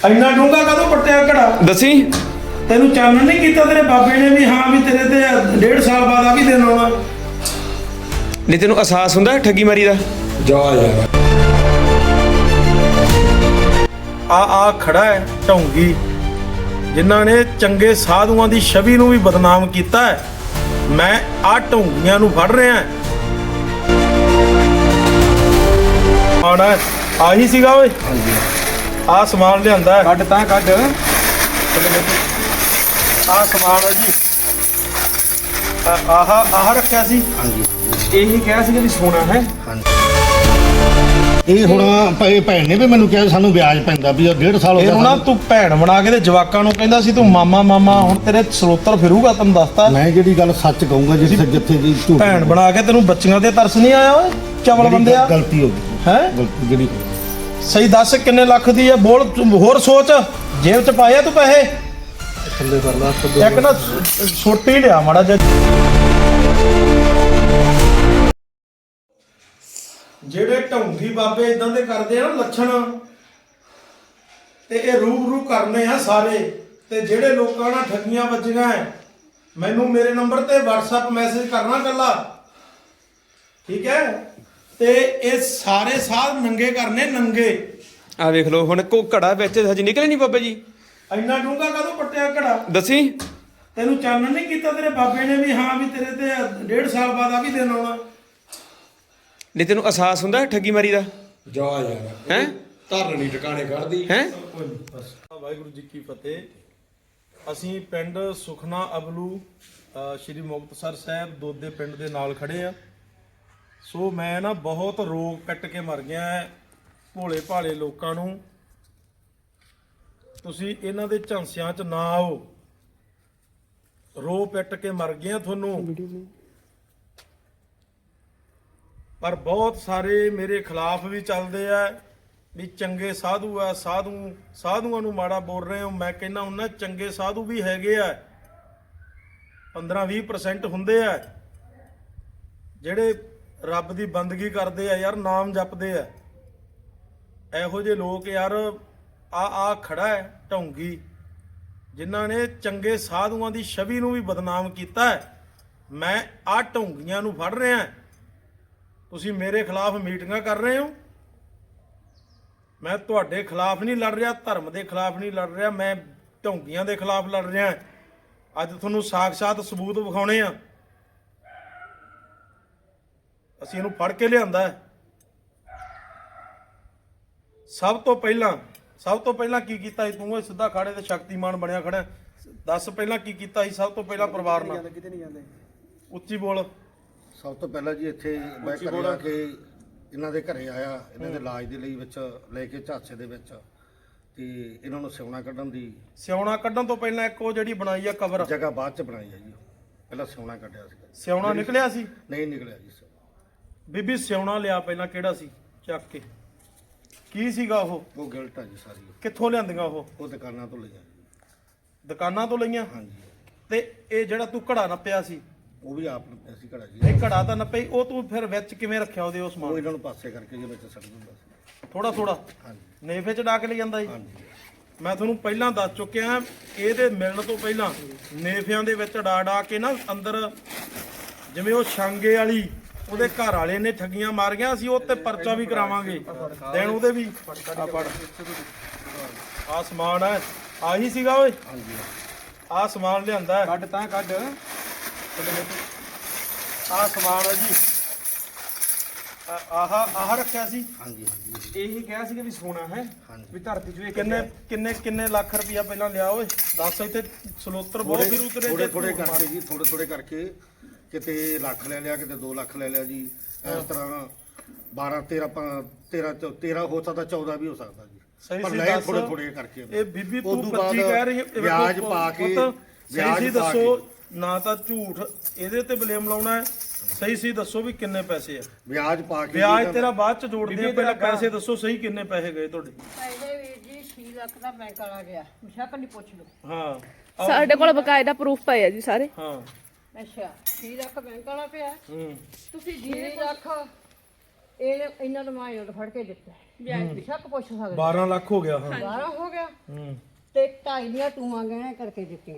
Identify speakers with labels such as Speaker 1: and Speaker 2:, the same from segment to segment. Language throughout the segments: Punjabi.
Speaker 1: ਇੰਨਾ ਡੂੰਘਾ ਕਦੋਂ ਪੱਟਿਆ ਘੜਾ?
Speaker 2: दसी
Speaker 1: ਤੈਨੂੰ ਚਾਨਣ ਨਹੀਂ ਕੀਤਾ ਤੇਰੇ ਬਾਬੇ ਨੇ ਵੀ ਹਾਂ ਵੀ ਤੇਰੇ ਤੇ 1.5 ਸਾਲ ਬਾਅਦ ਆ ਵੀ ਦਿਨ ਆਉਣਾ?
Speaker 2: नहीं तेन एहसास हुंदा ठगी मारी दा?
Speaker 3: ਜਾ ਯਾਰ
Speaker 1: ਆ ਖੜਾ ਹੈ ਢੌਂਗੀ ਜਿਨ੍ਹਾਂ ਨੇ ਚੰਗੇ ਸਾਧੂਆਂ ਦੀ ਛਵੀ ਨੂੰ ਵੀ ਬਦਨਾਮ ਕੀਤਾ ਹੈ। ਮੈਂ ਆ ਢੌਂਗੀਆਂ ਨੂੰ ਫੜ ਰਿਹਾ ਆਣਾ ਆਹੀ ਸੀਗਾ ਓਏ।
Speaker 3: ਹਾਂਜੀ
Speaker 1: ਆ ਸਮਾਨ ਲਿਆਂਦਾ ਹੈ।
Speaker 2: ਕੱਢ ਤਾਂ ਕੱਢ।
Speaker 1: ਆ ਸਮਾਨ ਹੈ ਜੀ। ਆਹ ਰੱਖਿਆ ਸੀ।
Speaker 3: ਹਾਂਜੀ
Speaker 2: ਇਹੀ ਕਿਹਾ ਸੀ ਕਿ ਸੋਨਾ ਹੈ।
Speaker 3: ਇਹ ਹੁਣ ਭਾਈ ਭੈਣ ਨੇ ਵੀ ਮੈਨੂੰ ਕਿਹਾ ਸਾਨੂੰ ਵਿਆਜ ਪੈਂਦਾ ਵੀ 1.5 ਸਾਲ ਹੋ
Speaker 1: ਇਹਨੂੰ ਨਾ ਤੂੰ ਭੈਣ ਬਣਾ ਕੇ ਤੇ ਜਵਾਕਾਂ ਨੂੰ ਕਹਿੰਦਾ ਸੀ ਤੂੰ ਮਾਮਾ ਮਾਮਾ, ਹੁਣ ਤੇਰੇ ਸਰੋਤਰ ਫਿਰੂਗਾ ਤੈਨੂੰ ਦੱਸਤਾ।
Speaker 3: ਮੈਂ ਜਿਹੜੀ ਗੱਲ ਸੱਚ ਕਹੂੰਗਾ ਜਿੱਥੇ ਜਿੱਥੇ ਦੀ ਝੂਠ
Speaker 1: ਭੈਣ ਬਣਾ ਕੇ ਤੈਨੂੰ ਬੱਚੀਆਂ ਤੇ ਤਰਸ ਨਹੀਂ ਆਇਆ ਓਏ ਚਵਲ ਬੰਦਿਆ?
Speaker 3: ਗਲਤੀ ਹੋ ਗਈ
Speaker 1: ਹੈ
Speaker 3: ਗਲਤੀ ਜਿਹੜੀ
Speaker 1: ਸਹੀ ਦੱਸ ਕਿੰਨੇ ਲੱਖ ਦੀ ਹੈ? ਬੋਲ ਤੂੰ ਹੋਰ ਸੋਚ, ਜੇਬ ਚ ਪਾਇਆ ਤੂੰ ਪੈਸੇ?
Speaker 3: ਥੱਲੇ ਕਰ ਲਾ
Speaker 1: ਇੱਕ ਨਾ ਛੋਟੀ ਲਿਆ ਮਾੜਾ ਜਿਹਾ। ਜਿਹੜੇ ਢੌਂਗੀ ਬਾਬੇ ਇਦਾਂ ਦੇ ਕਰਦੇ ਆ ਨਾ ਲੱਛਣ, ਤੇ ਇਹ ਰੂਬਰੂ ਕਰਨੇ ਆ ਸਾਰੇ। ਤੇ ਜਿਹੜੇ ਲੋਕਾਂ ਨਾਲ ਠੱਗੀਆਂ ਵੱਜੀਆਂ ਐ, ਮੈਨੂੰ ਮੇਰੇ ਨੰਬਰ ਤੇ WhatsApp ਮੈਸੇਜ ਕਰਨਾ ਕੱਲਾ, ਠੀਕ ਹੈ? ਤੇ ਇਹ ਸਾਰੇ ਸਾਧ ਨੰਗੇ ਕਰਨੇ ਨੰਗੇ।
Speaker 2: ਆ ਵੇਖ ਲਓ ਹੁਣ ਕੋ ਘੜਾ ਵਿੱਚ ਹਜੇ ਨਿਕਲੇ ਨਹੀਂ ਬਾਬਾ ਜੀ।
Speaker 1: ਇੰਨਾ ਡੂੰਘਾ ਕਦੋਂ ਪੱਟਿਆ ਘੜਾ?
Speaker 2: दसी
Speaker 1: ਤੈਨੂੰ ਚਾਨਣ ਨਹੀਂ ਕੀਤਾ ਤੇਰੇ ਬਾਬੇ ਨੇ ਵੀ ਹਾਂ ਵੀ ਤੇਰੇ ਤੇ 1.5 ਸਾਲ ਬਾਅਦ ਆ ਵੀ ਦਿਨ ਆਉਣਾ?
Speaker 2: नहीं तेन एहसास हुंदा ठगी मारी दा?
Speaker 3: ਜਾ ਯਾਰ
Speaker 2: हैं
Speaker 3: ਧਰਨ ਨਹੀਂ ਟਿਕਾਣੇ ਕੱਢਦੀ
Speaker 2: हैं
Speaker 1: ਵਾਹਿਗੁਰੂ ਜੀ ਕੀ ਫਤਿਹ। ਅਸੀਂ ਪਿੰਡ ਸੁਖਨਾ ਅਬਲੂ ਸ਼੍ਰੀ ਮੁਕਤਸਰ ਸਾਹਿਬ ਦੋਦੇ ਪਿੰਡ ਦੇ ਨਾਲ ਖੜੇ ਆ। ਸੋ ਮੈਂ ਨਾ ਬਹੁਤ ਰੋਗ ਕੱਟ ਕੇ ਮਰ ਗਿਆ ਭੋਲੇ ਭਾਲੇ ਲੋਕਾਂ ਨੂੰ। ਤੁਸੀਂ ਇਹਨਾਂ ਦੇ ਝਾਂਸਿਆਂ 'ਚ ਨਾ ਆਓ, ਰੋ ਪਿੱਟ ਕੇ ਮਰ ਗਏ ਤੁਹਾਨੂੰ। ਪਰ ਬਹੁਤ ਸਾਰੇ ਮੇਰੇ ਖਿਲਾਫ ਵੀ ਚੱਲਦੇ ਆ ਵੀ ਚੰਗੇ ਸਾਧੂ ਆ, ਸਾਧੂਆਂ ਨੂੰ ਮਾੜਾ ਬੋਲ ਰਹੇ ਹੋ। ਮੈਂ ਕਹਿੰਦਾ ਉਹਨਾਂ ਚੰਗੇ ਸਾਧੂ ਵੀ ਹੈਗੇ ਆ, 15-20% ਹੁੰਦੇ ਆ ਜਿਹੜੇ ਰੱਬ ਦੀ ਬੰਦਗੀ ਕਰਦੇ ਆ ਯਾਰ, ਨਾਮ ਜਪਦੇ ਆ। ਇਹੋ ਜਿਹੇ ਲੋਕ ਯਾਰ ਆ ਖੜਾ ਹੈ ਢੌਂਗੀ ਜਿਨ੍ਹਾਂ ਨੇ ਚੰਗੇ ਸਾਧੂਆਂ ਦੀ ਛਵੀ ਨੂੰ ਵੀ ਬਦਨਾਮ ਕੀਤਾ ਹੈ। ਮੈਂ ਆ ਢੌਂਗੀਆਂ ਨੂੰ ਫੜ ਰਿਹਾ। ਤੁਸੀਂ ਮੇਰੇ ਖਿਲਾਫ ਮੀਟਿੰਗਾਂ ਕਰ ਰਹੇ ਹੋ। ਮੈਂ ਤੁਹਾਡੇ ਖਿਲਾਫ ਨਹੀਂ ਲੜ ਰਿਹਾ, ਧਰਮ ਦੇ ਖਿਲਾਫ ਨਹੀਂ ਲੜ ਰਿਹਾ, ਮੈਂ ਢੌਂਗੀਆਂ ਦੇ ਖਿਲਾਫ ਲੜ ਰਿਹਾ। ਅੱਜ ਤੁਹਾਨੂੰ ਸਾਖਸ਼ਾਤ ਸਬੂਤ ਵਿਖਾਉਣੇ ਆ। ਅਸੀਂ ਇਹਨੂੰ ਫੜ ਕੇ ਲਿਆਂਦਾ। ਸਭ ਤੋਂ ਪਹਿਲਾਂ ਕੀ ਕੀਤਾ ਸੀ ਤੂੰ? ਇਹ ਸਿੱਧਾ ਖਾੜੇ ਤੇ ਸ਼ਕਤੀਮਾਨ ਬਣਿਆ ਖੜਾ। ਦੱਸ ਪਹਿਲਾਂ ਕੀ ਕੀਤਾ ਸੀ ਸਭ ਤੋਂ ਪਹਿਲਾਂ ਪਰਿਵਾਰ ਨਾਲ?
Speaker 4: ਕਿਤੇ ਨਹੀਂ ਜਾਂਦੇ।
Speaker 1: ਉੱਚੀ ਬੋਲ।
Speaker 3: ਸਭ ਤੋਂ ਪਹਿਲਾਂ ਜੀ ਇੱਥੇ ਮੈਂ ਘਰੇ ਆ ਕੇ ਇਹਨਾਂ ਦੇ ਘਰੇ ਆਇਆ, ਇਹਨਾਂ ਦੇ ਇਲਾਜ ਦੇ ਲਈ ਵਿੱਚ ਲੈ ਕੇ ਝਾਂਸੇ ਦੇ ਵਿੱਚ, ਤੇ ਇਹਨਾਂ ਨੂੰ ਸਿਉਣਾ ਕੱਢਣ ਦੀ
Speaker 1: ਸਿਉਣਾ ਕੱਢਣ ਤੋਂ ਪਹਿਲਾਂ ਇੱਕ ਉਹ ਜਿਹੜੀ ਬਣਾਈ ਆ ਕਬਰ,
Speaker 3: ਜਗ੍ਹਾ ਬਾਅਦ ਚ ਬਣਾਈ ਆ ਜੀ। ਪਹਿਲਾਂ ਸਿਉਣਾ ਕੱਢਿਆ ਸੀ।
Speaker 1: ਸਿਉਣਾ ਨਿਕਲਿਆ ਸੀ?
Speaker 3: ਨਹੀਂ ਨਿਕਲਿਆ ਜੀ ਸਿਉਣਾ।
Speaker 1: ਬੀਬੀ ਸਿਉਣਾ ਲਿਆ ਪਹਿਲਾਂ, ਕਿਹੜਾ ਸੀ? ਚੱਕ ਕੇ ਕੀ ਸੀਗਾ ਉਹ
Speaker 3: ਗਿਲਟ ਆ ਜੀ ਸਾਰੀ।
Speaker 1: ਕਿੱਥੋਂ ਲਿਆਂਦੀਆਂ ਉਹ
Speaker 3: ਦੁਕਾਨਾਂ ਤੋਂ ਲਈਆਂ ਜੀ।
Speaker 1: ਦੁਕਾਨਾਂ ਤੋਂ ਲਈਆਂ?
Speaker 3: ਹਾਂਜੀ।
Speaker 1: ਤੇ ਇਹ ਜਿਹੜਾ ਤੂੰ ਘੜਾ ਨੱਪਿਆ ਸੀ
Speaker 3: ਉਹ ਵੀ ਆਪ ਨੂੰ ਅਸੀਂ ਘੜਾ ਜੀ।
Speaker 1: ਇਹ ਘੜਾ ਤਾਂ ਨੱਪਈ, ਉਹ ਤੂੰ ਫਿਰ ਵਿੱਚ ਕਿਵੇਂ ਰੱਖਿਆ ਉਹਦੇ? ਉਸ
Speaker 3: ਉਹ
Speaker 1: ਸਮਾਨ
Speaker 3: ਇਹਨਾਂ ਨੂੰ ਪਾਸੇ ਕਰਕੇ ਜੀ ਵਿੱਚ ਸੱਟ ਦਿੰਦਾ ਸੀ।
Speaker 1: ਥੋੜਾ
Speaker 3: ਹਾਂਜੀ
Speaker 1: ਨੇਫੇ ਚ ਡਾ ਕੇ ਲੈ ਜਾਂਦਾ ਸੀ?
Speaker 3: ਹਾਂਜੀ।
Speaker 1: ਮੈਂ ਤੁਹਾਨੂੰ ਪਹਿਲਾਂ ਦੱਸ ਚੁੱਕਿਆ, ਇਹਦੇ ਮਿਲਣ ਤੋਂ ਪਹਿਲਾਂ ਨੇਫਿਆਂ ਦੇ ਵਿੱਚ ਡਾ ਕੇ ਨਾ ਅੰਦਰ, ਜਿਵੇਂ ਉਹ ਛਾਂਗੇ ਵਾਲੀ ਉਹਦੇ ਘਰ ਵਾਲੇ ਨੇ ਠੱਗੀਆਂ ਮਾਰੀਆਂ, ਅਸੀਂ ਉਹ ਤੇ ਪਰਚਾ ਵੀ ਕਰਾਵਾਂਗੇ ਦੇਣ ਉਹਦੇ ਵੀ। ਆ ਸਮਾਨ ਹੈ, ਆਹੀ ਸੀਗਾ ਓਏ।
Speaker 3: ਹਾਂਜੀ
Speaker 1: ਆ ਸਮਾਨ ਲਿਆਂਦਾ ਹੈ।
Speaker 2: ਕੱਢ ਤਾਂ ਕੱਢ।
Speaker 1: ਆ ਸਮਾਨ ਹੈ ਜੀ। ਆਹ ਰੱਖਿਆ ਸੀ।
Speaker 3: ਹਾਂਜੀ
Speaker 2: ਇਹੀ ਕਿਹਾ ਸੀ ਕਿ ਸੋਨਾ ਹੈ।
Speaker 3: ਹਾਂਜੀ।
Speaker 2: ਵੀ ਧਰਤੀ ਚ ਵੇਖ
Speaker 1: ਕਿੰਨੇ ਲੱਖ ਰੁਪਇਆ ਪਹਿਲਾਂ ਲਿਆ ਓਏ? ਦੱਸ। ਇੱਥੇ ਸਲੋਤਰ ਬਹੁਤ ਫਿਰ ਉਤਰੇ
Speaker 3: ਥੋੜੇ ਕਰਕੇ ਜੀ, ਥੋੜੇ ਕਰਕੇ ਕਿਤੇ ਲੱਖ ਲੈ ਲਿਆ, ਕਿਤੇ 2 ਲੱਖ ਲੈ ਲਿਆ ਜੀ। ਇਸ ਤਰ੍ਹਾਂ 12 13 ਹੋ ਸਕਦਾ, 14 ਵੀ ਹੋ ਸਕਦਾ ਜੀ। ਪਰ ਲੈ ਥੋੜੇ ਕਰਕੇ।
Speaker 1: ਇਹ ਬੀਬੀ ਤੂੰ 25 ਕਹਿ ਰਹੀ ਹੈ,
Speaker 3: ਵਿਆਜ ਪਾ ਕੇ
Speaker 1: ਸਹੀ ਦੱਸੋ ਨਾ, ਤਾਂ ਝੂਠ ਇਹਦੇ ਤੇ ਬਲੇਮ ਲਾਉਣਾ ਹੈ। ਸਹੀ ਦੱਸੋ ਵੀ ਕਿੰਨੇ ਪੈਸੇ ਆ?
Speaker 3: ਵਿਆਜ ਪਾ ਕੇ।
Speaker 1: ਵਿਆਜ ਤੇਰਾ ਬਾਅਦ ਚ ਜੋੜਦੇ ਆ, ਪਹਿਲਾਂ ਪੈਸੇ ਦੱਸੋ ਸਹੀ ਕਿੰਨੇ ਪੈਸੇ ਗਏ ਤੁਹਾਡੇ?
Speaker 5: ਪਹਿਲੇ ਵੀਰ ਜੀ 6 ਲੱਖ ਦਾ ਬੈਂਕ ਵਾਲਾ ਗਿਆ, ਮੁਸ਼ਕ ਨਹੀਂ ਪੁੱਛ ਲਓ।
Speaker 1: ਹਾਂ
Speaker 6: ਸਾਡੇ ਕੋਲ ਬਕਾਇਦਾ ਪ੍ਰੂਫ ਪਏ ਆ ਜੀ ਸਾਰੇ।
Speaker 1: ਹਾਂ
Speaker 5: ਅੱਛਾ 6 ਲੱਖ ਬੈਂਕ ਵਾਲਾ ਪਿਆ।
Speaker 1: ਹੂੰ।
Speaker 5: ਤੁਸੀਂ 6 ਲੱਖ ਇਹ ਇਹਨਾਂ ਨੂੰ ਮਾਇਓ ਫੜ ਕੇ ਦਿੱਤਾ। ਬੇਸ਼ੱਕ ਪੁੱਛ ਸਕਦੇ
Speaker 1: 12 ਲੱਖ ਹੋ ਗਿਆ ਹਾਂ
Speaker 5: 12 ਹੋ ਗਿਆ
Speaker 1: ਹੂੰ
Speaker 5: ਤੇ 2.5 ਦੀਆਂ ਟੂਆਂ ਗਹਿਣੇ ਕਰਕੇ ਦਿੱਤੀਆਂ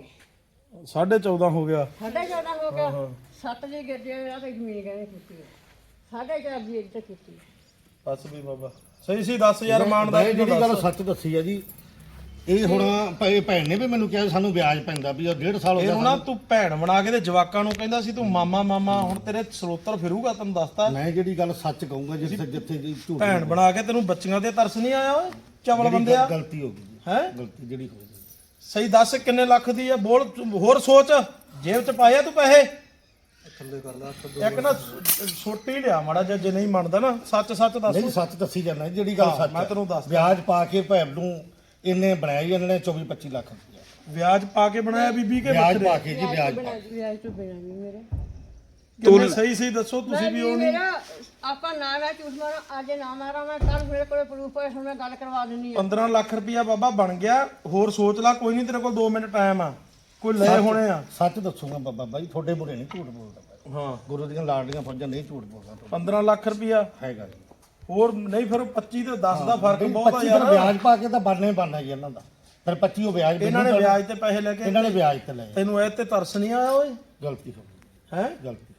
Speaker 1: 14.5 ਹੋ ਗਿਆ
Speaker 5: 14.5 ਹੋ ਗਿਆ 7 ਦੇ ਗੱਡੇ ਆ ਤੇ ਜ਼ਮੀਨ ਗਹਿਣੇ ਕੀਤੀ 4.5 ਦੀ ਇੱਕ ਤੇ ਕੀਤੀ
Speaker 1: ਬਸ ਵੀ ਬਾਬਾ ਸਹੀ ਸੀ ਦੱਸ ਯਾਰ ਮਾਨ ਦਾ
Speaker 3: ਮੈਂ ਜਿਹੜੀ ਗੱਲ ਸੱਚ ਦੱਸੀ ਆ ਜੀ ਇਹ ਹੁਣ ਭੈਣ ਨੇ ਵੀ ਮੈਨੂੰ ਕਿਹਾ ਸਾਨੂੰ ਵਿਆਜ ਪੈਂਦਾ ਵੀ ਉਹ 1.5 ਸਾਲ ਹੋ
Speaker 1: ਇਹਨੂੰ ਨਾ
Speaker 3: ਗਿਆ
Speaker 1: ਤੂੰ ਭੈਣ ਬਣਾ ਕੇ ਤੇ ਜਵਾਕਾਂ ਨੂੰ ਕਹਿੰਦਾ ਸੀ ਤੂੰ ਮਾਮਾ ਮਾਮਾ ਹੁਣ ਤੇਰੇ ਸਰੋਤਰ ਫਿਰੂਗਾ ਤੈਨੂੰ ਦੱਸਤਾ
Speaker 3: ਮੈਂ ਜਿਹੜੀ ਗੱਲ ਸੱਚ ਕਹੂੰਗਾ ਜਿੱਥੇ ਜਿੱਥੇ ਜੀ ਝੂਠ
Speaker 1: ਭੈਣ ਬਣਾ ਕੇ ਤੈਨੂੰ ਬੱਚੀਆਂ ਤੇ ਤਰਸ ਨਹੀਂ ਆਇਆ ਓਏ ਚਵਲ ਬੰਦਿਆ
Speaker 3: ਗਲਤੀ ਹੋ ਗਈ ਜੀ
Speaker 1: ਹੈ
Speaker 3: ਗਲਤੀ ਜਿਹੜੀ ਹੋ ਗਈ
Speaker 1: ਸਹੀ ਦੱਸ ਕਿੰਨੇ ਲੱਖ ਦੀ ਆ ਬੋਲ ਹੋਰ ਸੋਚ ਜੇਬ ਚ ਪਾਇਆ ਤੂੰ ਪੈਸੇ ਥੱਲੇ ਕਰ ਲੈ ਇੱਕ ਨਾ ਛੋਟੀ ਲਿਆ ਮਾੜਾ ਜਿਹਾ ਜੇ ਨਹੀਂ ਮੰਨਦਾ ਨਾ ਸੱਚ ਸੱਚ ਦੱਸ
Speaker 3: ਨਹੀਂ ਸੱਚ ਦੱਸੀ ਜਾਂਦਾ ਜਿਹੜੀ ਗੱਲ ਸੱਚ
Speaker 1: ਮੈਂ ਤੈਨੂੰ ਦੱਸਦਾ।
Speaker 3: ਵਿਆਜ ਪਾ ਕੇ ਭੈਣ ਨੂੰ ਇਹਨੇ ਬਣਾਇਆ ਜੀ ਇਹਨਾਂ ਨੇ 24-25 ਲੱਖ ਰੁਪਇਆ
Speaker 1: ਵਿਆਜ ਪਾ ਕੇ ਬਣਾਇਆ ਬੀਬੀ ਕੇ
Speaker 3: ਵਿਆਜ
Speaker 1: ਬੱਚੇ
Speaker 3: ਪਾ ਕੇ ਜੀ ਵਿਆਜ ਪਾ ਕੇ
Speaker 5: ਵਿਆਜ ਤੋਂ ਬਿਨਾਂ ਨਹੀਂ ਮੇਰੇ
Speaker 1: ਤੂੰ ਸਹੀ ਸਹੀ ਦੱਸੋ ਤੁਸੀਂ ਵੀ ਉਹ ਨਹੀਂ
Speaker 5: ਮੇਰਾ ਆਪਾਂ ਨਾ ਮੈਂ ਝੂਠ ਮਾਰਾਂ ਅੱਜ ਨਾ ਮਾਰਾਂ ਮੈਂ ਕੱਲ ਮੇਰੇ ਕੋਲੇ ਪ੍ਰੂਫ ਹੋਏ ਹੁਣ ਮੈਂ ਗੱਲ ਕਰਵਾ ਦਿੰਨੀ ਆ
Speaker 1: 15 ਲੱਖ ਰੁਪਇਆ ਬਾਬਾ ਬਣ ਗਿਆ ਹੋਰ ਸੋਚ ਲੈ ਕੋਈ ਨਹੀਂ ਤੇਰੇ ਕੋਲ 2 ਮਿੰਟ ਟਾਈਮ ਆ ਕੋਈ ਲੈ ਹੋਣੇ ਆ
Speaker 3: ਸੱਚ ਦੱਸੂਗਾ ਬਾਬਾ ਬਾਈ ਤੁਹਾਡੇ ਬੁਰੇ ਨਹੀਂ ਝੂਠ ਬੋਲਦਾ ਮੈਂ।
Speaker 1: ਹਾਂ
Speaker 3: ਗੁਰੂ ਦੀਆਂ ਲਾਡਲੀਆਂ ਫੌਜਾਂ ਨਹੀਂ ਝੂਠ ਬੋਲਦਾ ਤੁਹਾਡਾ।
Speaker 1: 15 ਲੱਖ ਰੁਪਇਆ
Speaker 3: ਹੈਗਾ ਜੀ
Speaker 1: ਹੋਰ ਨਹੀਂ ਫਿਰ 25 ਤੇ 10 ਦਾ ਫਰਕ ਬਹੁਤ ਆ
Speaker 3: 25
Speaker 1: ਯਾਰ
Speaker 3: ਦਾ ਵਿਆਜ ਪਾ ਕੇ ਤਾਂ ਬਣਨਾ ਹੀ ਬਣਨਾ ਜੀ ਇਹਨਾਂ ਦਾ ਫਿਰ 25 ਉਹ ਵਿਆਜ
Speaker 1: ਇਹਨਾਂ ਨੇ
Speaker 3: ਮੈਨੂੰ
Speaker 1: ਵਿਆਜ ਤੇ ਪੈਸੇ ਲੈ ਕੇ
Speaker 3: ਇਹਨਾਂ ਨੇ ਵਿਆਜ ਤੇ ਲਏ
Speaker 1: ਤੈਨੂੰ ਇਹ ਤੇ ਤਰਸ ਨਹੀਂ ਆਇਆ ਓਏ
Speaker 3: ਗਲਤੀ ਹੋ ਗਈ
Speaker 1: ਹੈ
Speaker 3: ਗਲਤੀ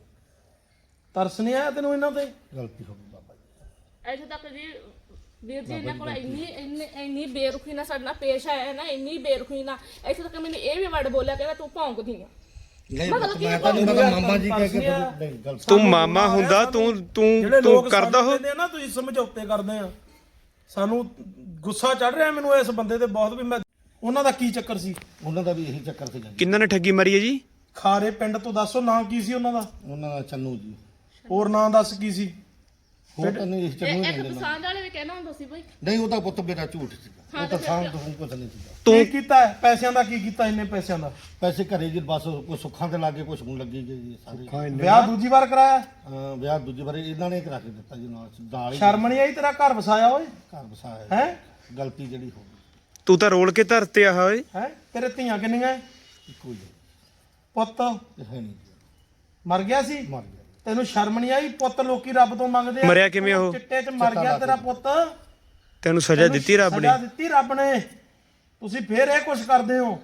Speaker 1: ਤਰਸ ਨਹੀਂ ਆਇਆ ਤੈਨੂੰ ਇਹਨਾਂ ਤੇ
Speaker 3: ਗਲਤੀ ਹੋ ਗਈ ਬਾਬਾ ਜੀ
Speaker 6: ਇੱਥੇ ਤੱਕ ਜੀ ਵੀਰ ਜੀ ਇਹਨਾਂ ਕੋਲ ਇੰਨੀ ਬੇਰੁਖੀ ਨਾਲ ਸਾਡੇ ਨਾਲ ਪੇਸ਼ ਆਇਆ ਨਾ ਇੰਨੀ ਬੇਰੁਖੀ ਨਾਲ ਇੱਥੇ ਤੱਕ ਮੈਨੂੰ ਇਹ ਵੀ ਵਰਡ ਬੋਲਿਆ ਕਹਿੰਦਾ ਤੂੰ ਭੌਂਕਦੀ ਆ
Speaker 3: ਨਹੀਂ ਮੈਂ ਤਾਂ ਨਹੀਂ ਪਤਾ ਮਾਮਾ ਜੀ ਕਹਿ ਕੇ ਨਹੀਂ ਗਲਤੀ
Speaker 2: ਤੂੰ ਮਾਮਾ ਹੁੰਦਾ
Speaker 1: ਜਿਹੜੇ
Speaker 2: ਤੂੰ
Speaker 1: ਲੋਕ
Speaker 2: ਕਰਦਾ ਹੋ
Speaker 1: ਸਮਝਦੇ ਆ ਨਾ ਤੁਸੀਂ ਸਮਝੌਤੇ ਕਰਦੇ ਆ ਸਾਨੂੰ ਗੁੱਸਾ ਚੜ ਰਿਹਾ ਮੈਨੂੰ ਇਸ ਬੰਦੇ ਤੇ ਬਹੁਤ ਵੀ ਮੈਂ ਉਹਨਾਂ ਦਾ ਕੀ ਚੱਕਰ ਸੀ
Speaker 3: ਉਹਨਾਂ ਦਾ ਵੀ ਇਹੀ ਚੱਕਰ ਸੀਗਾ ਜੀ
Speaker 2: ਕਿੰਨਾਂ ਨੇ ਠੱਗੀ ਮਾਰੀ ਹੈ ਜੀ
Speaker 1: ਖਾਰੇ ਪਿੰਡ ਤੋਂ ਦੱਸੋ ਨਾਂ ਕੀ ਸੀ ਉਹਨਾਂ ਦਾ
Speaker 3: ਉਹਨਾਂ ਦਾ ਚੰਨੂ ਜੀ
Speaker 1: ਹੋਰ ਨਾਂ ਦੱਸ ਕੀ ਸੀ
Speaker 3: ਹੋਰ ਤਾਂ ਨਹੀਂ ਚੰਨੂ
Speaker 6: ਇੱਕ
Speaker 3: ਨਹੀਂ ਲੈਣਾ
Speaker 6: ਪਸੰਦ ਵਾਲੇ ਵੀ ਕਹਿਣਾ ਹੁੰਦਾ ਸੀ ਬਈ
Speaker 3: ਨਹੀਂ ਉਹਦਾ ਪੁੱਤ ਮੇਰਾ ਝੂਠ ਸੀਗਾ ਉਹ ਤਾਂ ਸਾਂਭ ਤੋਂ ਕੁਝ ਨਹੀਂ ਸੀਗਾ
Speaker 1: ਕੀ ਕੀਤਾ ਹੈ? ਪੈਸਿਆਂ ਦਾ ਕੀ ਕੀਤਾ ਇੰਨੇ ਪੈਸਿਆਂ ਦਾ
Speaker 3: ਪੈਸੇ ਘਰੇ ਜੀ ਬਸ ਕੋਈ ਸੁੱਖਾਂ ਤੇ ਲਾਗੇ ਕੁਝ ਹੁਣ ਲੱਗੀ ਗਈ ਜੀ ਸਾਰੇ
Speaker 1: ਵਿਆਹ ਦੂਜੀ ਵਾਰ ਕਰਾਇਆ
Speaker 3: ਵਿਆਹ ਦੂਜੀ ਵਾਰੀ ਇਹਨਾਂ ਨੇ ਕਰਾ ਕੇ ਦਿੱਤਾ ਜੀ ਨਾਲ ਹੀ
Speaker 1: ਸ਼ਰਮ ਨਹੀਂ ਆਈ ਤੇਰਾ ਘਰ ਵਸਾਇਆ ਓਏ
Speaker 3: ਘਰ ਵਸਾਇਆ
Speaker 1: ਹੈ
Speaker 3: ਗਲਤੀ ਜਿਹੜੀ ਹੋ ਗਈ
Speaker 2: ਤੂੰ ਤਾਂ ਰੋਲ ਕੇ ਧਰਤੇ ਆ ਓਏ
Speaker 1: ਹੈ ਤੇਰੇ ਧੀਆਂ ਕਿੰਨੀਆਂ ਹੈ?
Speaker 3: ਇੱਕੋ ਹੀ
Speaker 1: ਪੁੱਤ
Speaker 3: ਹੈ ਨਹੀਂ ਜੀ
Speaker 1: ਮਰ ਗਿਆ ਸੀ
Speaker 3: ਮਰ ਗਿਆ
Speaker 1: ਤੈਨੂੰ ਸ਼ਰਮ ਨਹੀਂ ਆਈ ਪੁੱਤ ਲੋਕੀ ਰੱਬ ਤੋਂ ਮੰਗਦੇ ਆ
Speaker 2: ਮਰਿਆ ਕਿਵੇਂ ਉਹ?
Speaker 1: ਚਿੱਟੇ 'ਚ ਮਰ ਗਿਆ ਤੇਰਾ ਪੁੱਤ
Speaker 2: ਤੈਨੂੰ ਸਜ਼ਾ ਦਿੱਤੀ ਰੱਬ ਨੇ
Speaker 1: ਸਜ਼ਾ ਦਿੱਤੀ ਰੱਬ ਨੇ ਤੁਸੀਂ ਫੇਰ ਇਹ ਕੁਛ ਕਰਦੇ ਹੋ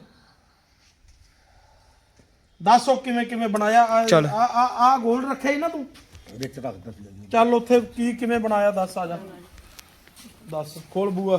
Speaker 1: ਦੱਸੋ ਕਿਵੇਂ ਕਿਵੇਂ ਬਣਾਇਆ
Speaker 2: ਚੱਲ।
Speaker 1: ਆ ਗੋਲ ਰੱਖਿਆ ਹੀ ਨਾ ਤੂੰ
Speaker 3: ਵਿੱਚ ਰੱਖ ਦਿੱਤਾ ਜੀ
Speaker 1: ਚੱਲ ਉੱਥੇ ਕੀ ਕਿਵੇਂ ਬਣਾਇਆ ਦੱਸ ਆ ਜਾ ਦੱਸ ਖੋਲ ਬੂਆ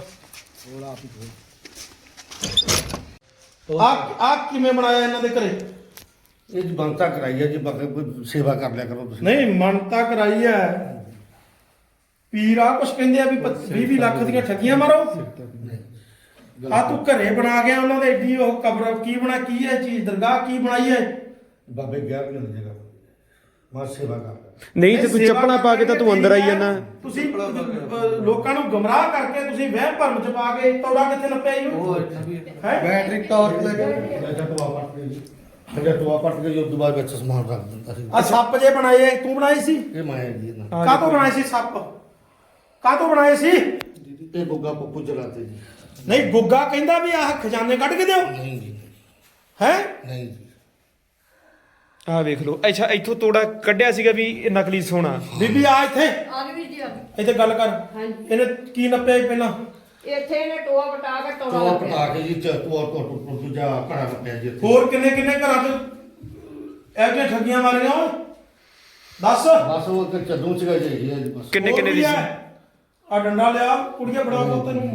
Speaker 1: ਆ ਕਿਵੇਂ ਬਣਾਇਆ ਇਹਨਾਂ ਦੇ ਘਰੇ
Speaker 3: ਇਹ ਜੀ ਬੰਤਾ ਕਰਾਈ ਹੈ ਜੀ ਬਾਕੀ ਕੋਈ ਸੇਵਾ ਕਰ ਲਿਆ ਕਰੋ ਤੁਸੀਂ
Speaker 1: ਨਹੀਂ ਮੰਨਤਾ ਕਰਾਈ ਐ ਪੀਰ ਆ ਕੁਛ ਕਹਿੰਦੇ ਆ ਵੀ 20 ਲੱਖ ਦੀਆਂ ਠੱਗੀਆਂ ਮਾਰੋ ਆ ਤੂੰ ਘਰੇ ਬਣਾ ਗਿਆ ਉਹਨਾਂ ਦੇ ਏਡੀ ਉਹ ਕਬਰ ਕੀ ਬਣਾ ਕੀ ਹੈ ਚੀਜ਼ ਦਰਗਾਹ ਕੀ ਬਣਾਈ ਹੈ
Speaker 3: ਬਾਬੇ ਗਿਆ ਵੀ ਨਹੀਂ ਜਗ੍ਹਾ ਮੈਂ ਸੇਵਾ ਕਰ
Speaker 2: ਨਹੀਂ ਤੇ ਤੂੰ
Speaker 1: ਸੇਵਾ
Speaker 2: ਚੱਪਲਾਂ ਪਾ ਕੇ ਤਾਂ ਤੂੰ ਅੰਦਰ ਆਈ ਜਾਂਦਾ
Speaker 1: ਤੁਸੀਂ ਲੋਕਾਂ ਨੂੰ ਗਮਰਾਹ ਕਰਕੇ ਤੁਸੀਂ ਵਹਿਮ ਭਰਮ ਚ ਪਾ ਕੇ ਤੌੜਾ ਕਿੱਥੇ ਨੱਪਿਆ ਹੀ ਹੈ
Speaker 3: ਬੈਟਰੀ ਟਾਰਚ ਲੈ ਕੇ ਟੋਆ ਪੱਟ ਕੇ ਜੀ ਫਿਰ ਟੋਆ ਪੱਟ ਕੇ ਉਸ ਤੋਂ ਬਾਅਦ ਵਿੱਚ ਸਮਾਨ ਰੱਖ ਦਿੰਦਾ ਸੀ
Speaker 1: ਆ ਸੱਪ ਜੇ ਬਣਾਏ ਤੂੰ ਬਣਾਏ ਸੀ
Speaker 3: ਇਹ ਮਾਇਆ ਜੀ ਇਹਨਾਂ
Speaker 1: ਕਾਹਤੋਂ ਬਣਾਏ ਸੀ ਸੱਪ ਕਾਹਤੋਂ ਬਣਾਏ ਸੀ
Speaker 3: ਇਹ ਬੁੱਗਾ ਪੱਪੂ ਚਲਾਤੇ ਜੀ
Speaker 1: ਨਹੀਂ ਗੁੱਗਾ ਕਹਿੰਦਾ ਵੀ ਆਹ ਖਜ਼ਾਨੇ ਕੱਢ ਕੇ ਦਿਓ
Speaker 3: ਨਹੀਂ ਜੀ
Speaker 1: ਹੈ
Speaker 3: ਨਹੀਂ ਜੀ
Speaker 2: ਆਹ ਵੇਖ ਲਓ ਅੱਛਾ ਇੱਥੋਂ ਤੋੜਾ ਕੱਢਿਆ ਸੀਗਾ ਵੀ ਇਹ ਨਕਲੀ ਸੋਨਾ
Speaker 1: ਬੀਬੀ ਆ ਇੱਥੇ
Speaker 5: ਆ ਗਈ ਵੀਰ ਜੀ ਆ ਗਈ।
Speaker 1: ਇੱਥੇ ਗੱਲ ਕਰ
Speaker 5: ਹਾਂਜੀ
Speaker 1: ਇਹਨੇ ਕੀ ਨੱਪਿਆ ਸੀ ਪਹਿਲਾਂ
Speaker 5: ਇੱਥੇ ਇਹਨੇ ਟੋਆ ਪਟਾ ਕੇ ਟੋਆ
Speaker 3: ਟੋਆ
Speaker 5: ਲੱਭਿਆ।
Speaker 3: ਪਟਾ ਕੇ ਜੀ ਟੋਆ ਤੋਂ ਦੂਜਾ ਘੜਾ ਲੱਪਿਆ ਜੀ ਇੱਥੇ
Speaker 1: ਹੋਰ ਕਿੰਨੇ ਕਿੰਨੇ ਘਰਾਂ 'ਚ ਇਹੋ ਜਿਹੀਆਂ ਠੱਗੀਆਂ ਮਾਰੀਆਂ ਓਏ ਦੱਸ
Speaker 3: ਬਸ ਉਹ ਇੱਕ ਚੱਦੂ ਸੀਗਾ ਜੀ ਇਹ ਜੀ ਬਸ
Speaker 2: ਕਿੰਨੇ ਕਿੰਨੇ ਦੀ ਸੀ
Speaker 1: ਆ ਡੰਡਾ ਲਿਆ ਕੁੜੀਆਂ ਫੜਾ ਕੇ ਤੈਨੂੰ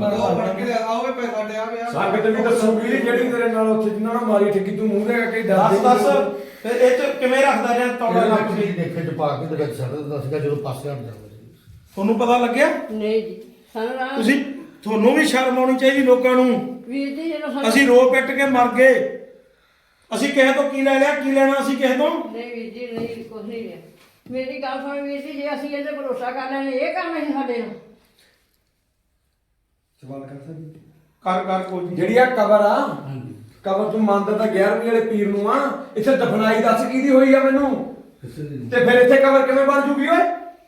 Speaker 4: ਸੰਗਤ ਵੀ ਦੱਸੂਗੀ ਜਿਹੜੀ ਤੇਰੇ ਨਾਲ ਉੱਥੇ ਜਿੰਨਾ ਨਾਲ ਮਾਰੀ ਠੱਗੀ ਤੂੰ ਮੂੰਹ ਦੇ ਕੇ
Speaker 1: ਦੱਸ ਦੱਸ ਫਿਰ ਇਹ 'ਚ ਕਿਵੇਂ ਰੱਖਦਾ ਰਿਹਾ ਤੌੜਾ ਲੱਗ
Speaker 3: ਲੱਗ
Speaker 1: ਕੇ
Speaker 3: ਦੇਖੇ ਚ ਪਾ ਕੇ ਤੇ ਵਿੱਚ ਛੱਡ ਦਿੰਦਾ ਸੀਗਾ ਜਦੋਂ ਪਾਸੇ ਹਟ ਜਾਂਦਾ ਸੀ
Speaker 1: ਤੁਹਾਨੂੰ ਪਤਾ ਲੱਗਿਆ
Speaker 5: ਨਹੀਂ ਜੀ ਸਾਨੂੰ ਨਾ
Speaker 1: ਤੁਸੀਂ ਤੁਹਾਨੂੰ ਵੀ ਸ਼ਰਮ ਆਉਣੀ ਚਾਹੀਦੀ ਲੋਕਾਂ ਨੂੰ
Speaker 5: ਵੀਰ ਜੀ ਜਦੋਂ ਸਾਨੂੰ
Speaker 1: ਅਸੀਂ ਰੋ ਪਿੱਟ ਕੇ ਮਰ ਗਏ ਅਸੀਂ ਕਿਸੇ ਤੋਂ ਕੀ ਲੈ ਲਿਆ ਕੀ ਲੈਣਾ ਅਸੀਂ ਕਿਸੇ ਤੋਂ
Speaker 5: ਨਹੀਂ ਵੀਰ ਜੀ ਨਹੀਂ ਕੁਝ ਨਹੀਂ ਲਿਆ ਮੇਰੀ ਗੱਲ ਸੁਣ ਵੀਰ ਜੀ ਜੇ ਅਸੀਂ ਇਹਦੇ ਭਰੋਸਾ ਕਰ ਲੈਣੇ ਇਹ ਕੰਮ ਹੈ ਸਾਡੇ ਨਾਲ
Speaker 4: ਸਵਾਲ ਕਰ ਸਕਦੀ
Speaker 1: ਕਰ ਕਰ ਕੋਈ ਨੀ।
Speaker 4: ਜਿਹੜੀ ਆ ਕਬਰ ਆ ਕਬਰ ਤੂੰ ਮੰਨਦਾ ਤਾਂ 11ਵੀਂ ਵਾਲੇ ਪੀਰ ਨੂੰ ਆ ਇੱਥੇ ਦਫਨਾਈ ਦੱਸ ਕਿਹਦੀ ਹੋਈ ਆ ਮੈਨੂੰ
Speaker 3: ਕਿਸੇ ਦੀ
Speaker 4: ਤੇ ਫਿਰ ਇੱਥੇ ਕਬਰ ਕਿਵੇਂ ਬਣ ਜੂਗੀ ਓਏ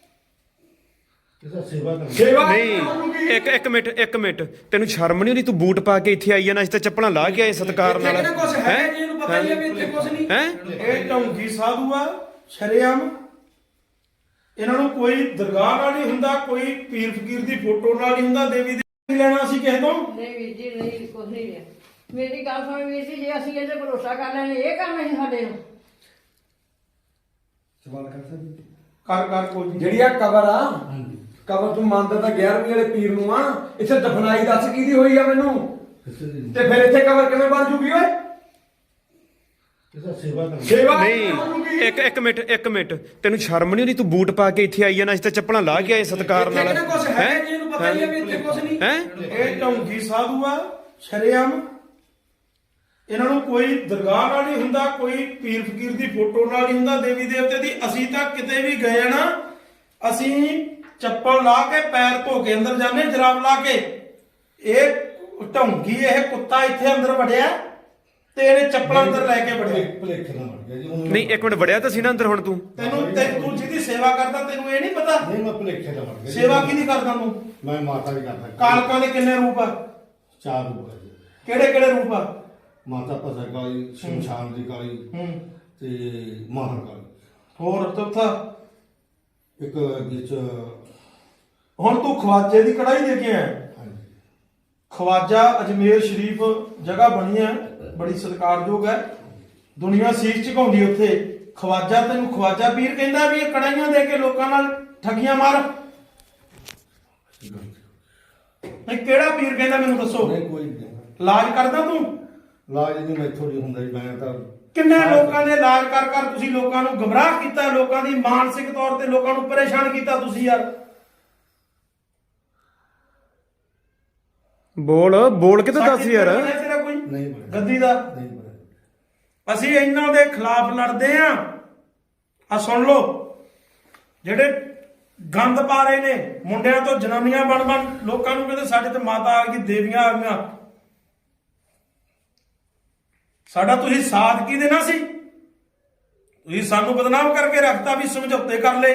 Speaker 3: ਕਿਸੇ ਸੇਵਾ ਕਰ
Speaker 4: ਸੇਵਾ
Speaker 2: ਨਹੀਂ ਇੱਕ ਮਿੰਟ ਤੈਨੂੰ ਸ਼ਰਮ ਨਹੀਂ ਆਉਂਦੀ ਤੂੰ ਬੂਟ ਪਾ ਕੇ ਇੱਥੇ ਆਈ ਜਾਂਦਾ ਅਸੀਂ ਤਾਂ ਚੱਪਲਾਂ ਲਾ ਕੇ ਆਏ ਸਤਿਕਾਰ ਨਾਲ
Speaker 4: ਇੱਥੇ ਕੁਝ ਹੈ ਜੀ ਇਹਨੂੰ ਪਤਾ ਹੀ ਆ ਵੀ ਇੱਥੇ ਕੁਝ ਨਹੀਂ
Speaker 2: ਹੈ
Speaker 1: ਇਹ ਢੌਂਗੀ ਸਾਧੂ ਆ ਸ਼ਰੇਆਮ ਇਹਨਾਂ ਨੂੰ ਕੋਈ ਦਰਗਾਹ ਨਾਲ ਨਹੀਂ ਹੁੰਦਾ, ਕੋਈ ਪੀਰ ਫਕੀਰ ਦੀ ਫੋਟੋ ਨਾਲ ਨਹੀਂ ਹੁੰਦਾ, ਦੇਵੀ ਦੀ ਨਹੀਂ ਲੈਣਾ ਅਸੀਂ ਕਿਸੇ ਤੋਂ।
Speaker 5: ਨਹੀਂ ਵੀਰ ਜੀ ਨਹੀਂ ਕੁਝ ਨਹੀਂ ਰਿਹਾ। ਮੇਰੀ ਗੱਲ ਸੁਣ ਵੀਰ ਜੀ, ਜੇ ਅਸੀਂ ਇਹਦੇ ਭਰੋਸਾ ਕਰ ਲੈਣੇ ਇਹ ਕੰਮ ਨਹੀਂ ਸਾਡੇ ਨੂੰ।
Speaker 4: ਸਵਾਲ ਕਰ ਸਕਦੀ
Speaker 1: ਕਰ ਕੋਈ ਨੀ।
Speaker 4: ਜਿਹੜੀ ਆ ਕਬਰ ਆ ਕਬਰ ਤੂੰ ਮੰਨਦਾ ਤਾਂ 11ਵੀਂ ਵਾਲੇ ਪੀਰ ਨੂੰ ਆ, ਇੱਥੇ ਦਫਨਾਈ ਦੱਸ ਕਿਹਦੀ ਹੋਈ ਆ ਮੈਨੂੰ, ਤੇ ਫਿਰ ਇੱਥੇ ਕਬਰ ਕਿਵੇਂ ਬਣ ਜੂਗੀ ਓਏ? ਸੇਵਾ
Speaker 2: ਨਹੀਂ ਇੱਕ ਮਿੰਟ ਤੈਨੂੰ ਸ਼ਰਮ ਨਹੀਂ ਆਉਂਦੀ? ਤੂੰ ਬੂਟ ਪਾ ਕੇ ਇੱਥੇ ਆਈ ਆ ਨਾ, ਅਸੀਂ ਤਾਂ ਚੱਪਲਾਂ ਲਾ ਕੇ ਆਏ ਸਤਿਕਾਰ ਨਾਲ।
Speaker 4: ਇੱਥੇ ਕੁਝ ਹੈ ਜੀ, ਇਹਨੂੰ ਪਤਾ ਹੀ ਆ ਵੀ ਇੱਥੇ ਕੁਝ ਨਹੀਂ
Speaker 2: ਹੈ।
Speaker 1: ਇਹ ਢੌਂਗੀ ਸਾਧੂ ਆ ਸ਼ਰੇਆਮ। ਇਹਨਾਂ ਨੂੰ ਕੋਈ ਦਰਗਾਹ ਨਾਲ ਨਹੀਂ ਹੁੰਦਾ, ਕੋਈ ਪੀਰ ਫਕੀਰ ਦੀ ਫੋਟੋ ਨਾਲ ਨਹੀਂ ਹੁੰਦਾ, ਦੇਵੀ ਦੇਵਤੇ ਦੀ। ਅਸੀਂ ਤਾਂ ਕਿਤੇ ਵੀ ਗਏ ਨਾ, ਅਸੀਂ ਚੱਪਲ ਲਾ ਕੇ ਪੈਰ ਧੋ ਕੇ ਅੰਦਰ ਜਾਂਦੇ, ਜਰਾਬ ਲਾ ਕੇ। ਇਹ ਢੌਂਗੀ ਇਹ ਕੁੱਤਾ ਇੱਥੇ ਅੰਦਰ ਵੜਿਆ ਤੇ ਇਹਨੇ ਚੱਪਲਾਂ ਅੰਦਰ ਲੈ ਕੇ ਵੜਿਆ।
Speaker 3: ਭੁਲੇਖੇ ਨਾਲ ਵੜ ਗਿਆ ਜੀ ਉਹਨੂੰ।
Speaker 2: ਨਹੀਂ ਇੱਕ ਮਿੰਟ ਵੜਿਆ ਤਾਂ ਸੀ ਨਾ ਅੰਦਰ। ਹੁਣ ਤੂੰ
Speaker 1: ਤੂੰ ਜਿਹਦੀ ਸੇਵਾ ਕਰਦਾ ਤੈਨੂੰ ਇਹ ਨਹੀਂ ਪਤਾ
Speaker 3: ਨਹੀਂ ਮੈਂ ਭੁਲੇਖੇ ਨਾਲ ਵੜ ਗਿਆ ਜੀ।
Speaker 1: ਸੇਵਾ ਕਿਹਦੀ ਕਰਦਾ ਤੂੰ?
Speaker 3: ਮੈਂ ਮਾਤਾ ਦੀ ਕਰਦਾ।
Speaker 1: ਕਾਲਕਾਂ ਦੇ ਕਿੰਨੇ ਰੂਪ ਆ?
Speaker 3: 4 ਰੂਪ ਹੈ ਜੀ।
Speaker 1: ਕਿਹੜੇ ਕਿਹੜੇ ਰੂਪ ਆ?
Speaker 3: ਮਾਤਾ ਭਸਰ ਕਾਲੀ, ਸ਼ਮਸ਼ਾਨ ਦੀ ਕਾਲੀ ਤੇ ਮਾਹਰ ਕਾਲੀ।
Speaker 1: ਹੋਰ ਚੌਥਾ?
Speaker 3: ਇੱਕ ਵਿੱਚ
Speaker 1: ਹੁਣ ਤੂੰ ਖਵਾਜੇ ਦੀ ਕੜਾਈ ਦੇ ਕੇ ਆਇਆ।
Speaker 3: ਹਾਂਜੀ
Speaker 1: ਖਵਾਜਾ ਅਜਮੇਰ ਸ਼ਰੀਫ ਜਗ੍ਹਾ ਬਣੀ ਹੈ, ਬੜੀ ਸਤਿਕਾਰਯੋਗ ਹੈ, ਦੁਨੀਆ ਸੀਸ ਝੁਕਾਉਂਦੀ ਉੱਥੇ। ਖਵਾਜਾ ਤੈਨੂੰ ਖਵਾਜਾ ਪੀਰ ਕਹਿੰਦਾ ਵੀ ਇਹ ਕੜਾਈਆਂ ਦੇ ਕੇ ਲੋਕਾਂ ਨਾਲ ਠੱਗੀਆਂ ਮਾਰ? ਨਹੀਂ ਕਿਹੜਾ ਪੀਰ ਕਹਿੰਦਾ ਮੈਨੂੰ ਦੱਸੋ।
Speaker 3: ਨਹੀਂ ਕੋਈ ਨਹੀਂ
Speaker 1: ਇਲਾਜ ਕਰਦਾ ਤੂੰ?
Speaker 3: ਲਾਜ ਨਹੀਂ ਮੈਥੋਂ ਨਹੀਂ ਹੁੰਦਾ ਜੀ। ਮੈਂ ਤਾਂ
Speaker 1: ਕਿੰਨੇ ਲੋਕਾਂ ਦੇ ਇਲਾਜ ਕਰ ਤੁਸੀਂ ਲੋਕਾਂ ਨੂੰ ਗਮਰਾਹ ਕੀਤਾ, ਲੋਕਾਂ ਦੀ ਮਾਨਸਿਕ ਤੌਰ ਤੇ ਲੋਕਾਂ ਨੂੰ ਪਰੇਸ਼ਾਨ ਕੀਤਾ ਤੁਸੀਂ ਯਾਰ।
Speaker 2: ਬੋਲ ਕੇ ਤਾਂ ਦੱਸ ਯਾਰ।
Speaker 1: ਤੇਰਾ ਕੋਈ
Speaker 3: ਨਹੀਂ ਬਣਿਆ।
Speaker 1: ਗੱਦੀ ਦਾ
Speaker 3: ਨਹੀਂ ਬਣਿਆ।
Speaker 1: ਅਸੀਂ ਇਹਨਾਂ ਦੇ ਖਿਲਾਫ ਲੜਦੇ ਆਂ। ਆ ਸੁਣ ਲਓ, ਜਿਹੜੇ ਗੰਦ ਪਾ ਰਹੇ ਨੇ, ਮੁੰਡਿਆਂ ਤੋਂ ਜਨਾਨੀਆਂ ਬਣ ਲੋਕਾਂ ਨੂੰ ਕਹਿੰਦੇ ਸਾਡੇ ਤੇ ਮਾਤਾ ਆ ਗਈ, ਦੇਵੀਆਂ ਆ ਗਈਆਂ। ਸਾਡਾ ਤੁਸੀਂ ਸਾਥ ਕੀ ਦੇਣਾ ਸੀ? ਤੁਸੀਂ ਸਾਨੂੰ ਬਦਨਾਮ ਕਰਕੇ ਰੱਖਤਾ ਵੀ ਸਮਝੌਤੇ ਕਰ ਲਏ।